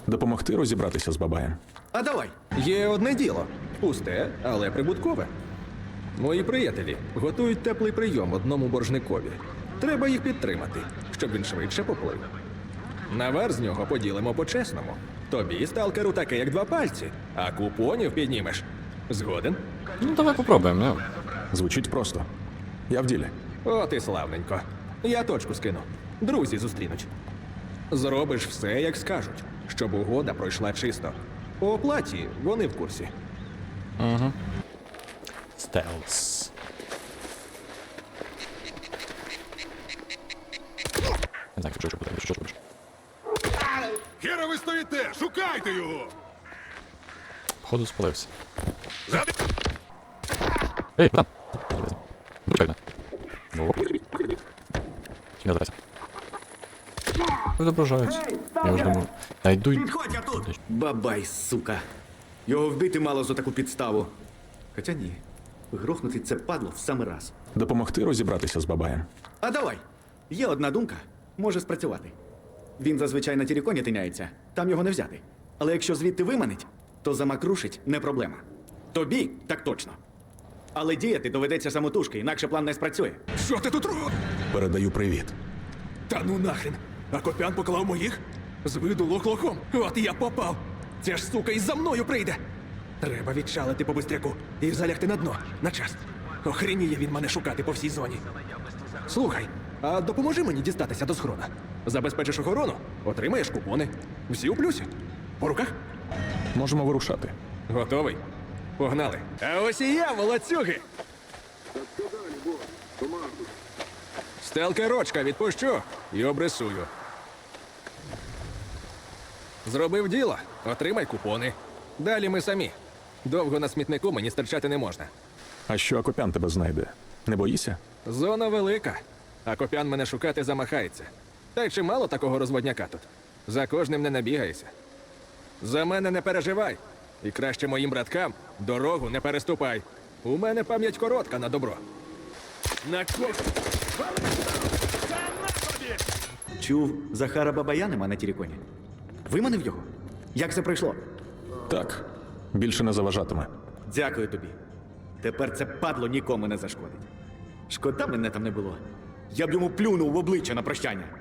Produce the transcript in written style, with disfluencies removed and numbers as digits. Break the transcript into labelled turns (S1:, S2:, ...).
S1: Допомогти розібратися з бабаєм.
S2: А давай. Є одне діло. Пусте, але прибуткове. Мої приятелі готують теплий прийом одному боржникові. Треба їх підтримати, щоб він швидше поплив. Навар з нього поділимо по-чесному. Тобі, сталкеру, таке, як два пальці, а купонів піднімеш. Згоден?
S3: Ну, давай попробуємо, ну.
S1: Звучить просто. Я в ділі.
S2: От і славненько. Я точку скину. Друзі зустрінуть. Зробиш все, як скажуть, щоб угода пройшла чисто. По оплаті вони в курсі.
S3: Стелс. Не знаю, що буде, що робиш.
S4: Хера ви стоїте! Шукайте його!
S3: Походу спалився. Ей, братан! Почекай мене. Ну, я зараз. Відображаються. Я вже думаю. Найду й...
S5: Підходь я тут! Бабай, сука. Його вбити мало за таку підставу. Хоча ні. Грохнути це падло в самий раз.
S1: Допомогти розібратися з бабаєм.
S5: А давай. Є одна думка. Може спрацювати. Він зазвичай на тіріконі тиняється. Там його не взяти. Але якщо звідти виманить, то замакрушить не проблема. Тобі так точно. Але діяти доведеться самотужки, інакше план не спрацює.
S4: Що ти тут робиш?
S1: Передаю привіт.
S4: Та ну нахрен! А Копян поклав моїх? З виду лох-лохом. От і я попав. Ця ж сука і за мною прийде. Треба відчалити по бистряку і залягти на дно, на час. Охреніє він мене шукати по всій зоні. Слухай, а допоможи мені дістатися до схрона. Забезпечиш охорону, отримаєш купони. Всі у плюсі. По руках?
S1: Можемо вирушати.
S2: Готовий? Погнали. А ось і я, молодцюги! Сталкерочка відпущу і обрисую. Зробив діло, отримай купони. Далі ми самі. Довго на смітнику мені стерчати не можна.
S1: А що Акопян тебе знайде? Не боїся?
S2: Зона велика, а Копян мене шукати замахається. Та й чимало такого розводняка тут. За кожним не набігаєшся. За мене не переживай. І краще моїм браткам дорогу не переступай. У мене пам'ять коротка на добро. На
S5: Чув, Захара Бабая нема на тіріконі. Виманив його? Як це пройшло?
S1: Так. Більше не заважатиме.
S5: Дякую тобі. Тепер це падло нікому не зашкодить. Шкода мене там не було. Я б йому плюнув в обличчя на прощання.